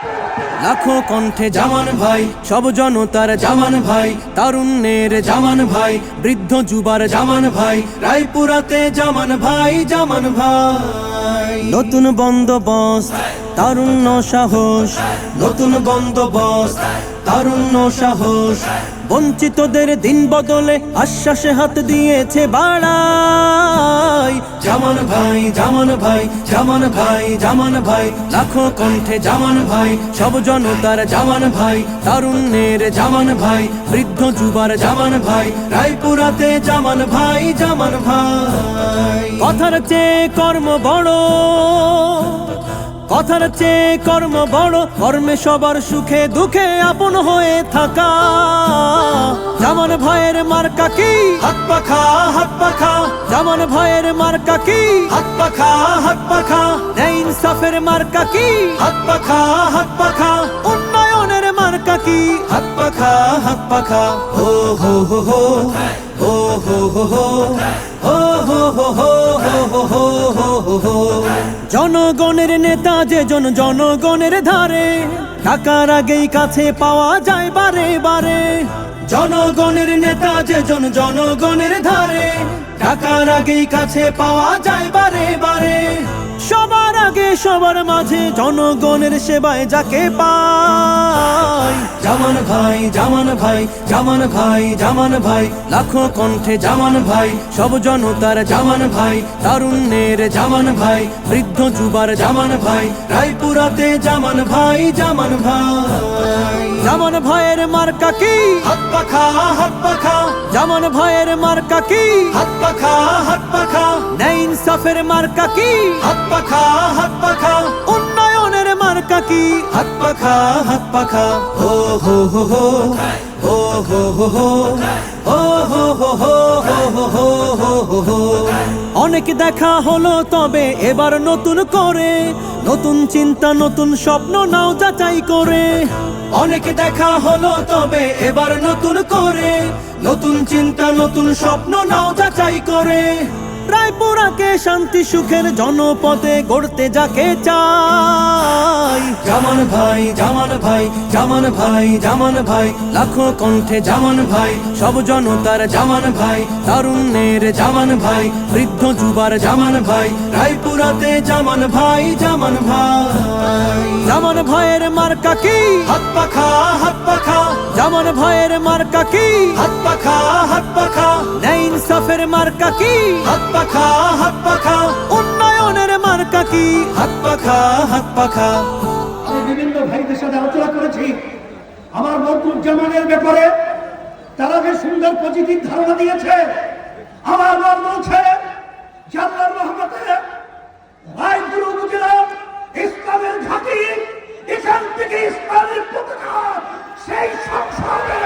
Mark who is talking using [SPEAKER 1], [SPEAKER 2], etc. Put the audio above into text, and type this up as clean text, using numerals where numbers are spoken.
[SPEAKER 1] লাখো কণ্ঠে জামান ভাই, সব জনতার জামান ভাই, তারুণ্যের জামান ভাই, বৃদ্ধ যুবার জামান ভাই, রায়পুরাতে জামান ভাই, জামান ভাই। নতুন বন্দোবস্ত, তারুণ্য সাহস, নতুন বন্দোবস্ত, তারুণ্য সাহস, বঞ্চিতদের দিন বদলে আশ্বাসে হাত দিয়েছে বাড়াই। জামান ভাই, জামান ভাই, জামান ভাই, জামান ভাই, লাখো কণ্ঠে জামান ভাই, সব জনতার জামান ভাই, তারুণ্যের জামান ভাই, বৃদ্ধ যুবার জামান ভাই, রায়পুরাতে জামান ভাই, জামান ভাই। কথার চেয়ে কর্ম বড়, কথার চেয়ে কর্ম বড়, কর্মে সবার সুখে দুঃখে আপন হয়ে থাকা। জামান ভাইয়ের মার্কা কি? হাত পাখা, হাত পাখা। জামান ভাইয়ের মার্কা কি? হাত পাখা, হাত পাখা। ন্যায় ইনসাফের মার্কা কি? হাত পাখা, হাত পাখা। উন্নয়নের মার্কা কি? হাত পাখা, হাত পাখা। হো হো হো হো হো হো হো হো হো হো হো হো হো হো হো। জনগণের নেতা যে জনগণের ধারে, টাকার আগেই কাছে পাওয়া যায় বারে বারে। জনগণের নেতা যে জনগণের ধারে, টাকার আগেই কাছে পাওয়া যায় বারে বারে। সবার আগে সবার মাঝে জনগণের সেবায় যাকে পাই। জামান ভাই, জামান ভাই, জামান ভাই, জামান ভাই, লাখো কণ্ঠে জামান ভাই, সব জনতার জামান ভাই, তারুণ্যের জামান ভাই, বৃদ্ধ যুবার জামান ভাই, রায়পুরাতে জামান ভাই, জামান ভাই। জামান ভাইয়ের মার্কা কি? হাত পাখা, হাত পাখা। জামান ভাইয়ের মার্কা কি? হাত পাখা, হাত পাখা। ন্যায় ইনসাফের মার্কা কি? হাত পাখা, হাত পাখা। উন্নয়নের মার্কা কি? হাত পাখা, হাত পাখা। হো হো হো হো হো হো হো হো হো হো হো হো হো হো হো। অনেক দেখা হলো তবে এবার নতুন করে, নতুন চিন্তা নতুন স্বপ্ন নাও যাচাই করে। অনেক দেখা হলো তবে এবার নতুন করে, নতুন চিন্তা নতুন স্বপ্ন নাও যাচাই করে। রায়পুরাকে শান্তি সুখের জনপদে গড়তে যাকে চাই। জামান ভাই, জামান ভাই, জামান ভাই, জামান ভাই, লাখো কণ্ঠে জামান ভাই, সব জনতার জামান ভাই, তারুণ্যের জামান ভাই, বৃদ্ধ যুবার জামান ভাই, রায়পুরাতে জামান ভাই, জামান ভাই। জামান ভাইয়ের মার্কা কি? হাত পাখা, হাত পাখা। জামান ভাইয়ের মার্কা কি? হাত পাখা, হাত পাখা। ন্যায় ইনসাফের মার্কা কি? হাত পাখা, হাত পাখা। উন্নয়নের মার্কা কি? হাত পাখা, হাত পাখা।
[SPEAKER 2] আমি বিভিন্ন ভাইদের সাথে আলোচনা করেছি আমার মরকুজ্জামানের ব্যাপারে। তারা যে সুন্দর পজিটিভ ধারণা দিয়েছে, আমার মন বলছে জাল্লার রহমতে রায়পুর উপজেলা ইসলামের ঘাঁটি, এখান থেকে ইসলামের পতাকা সেই সংসদের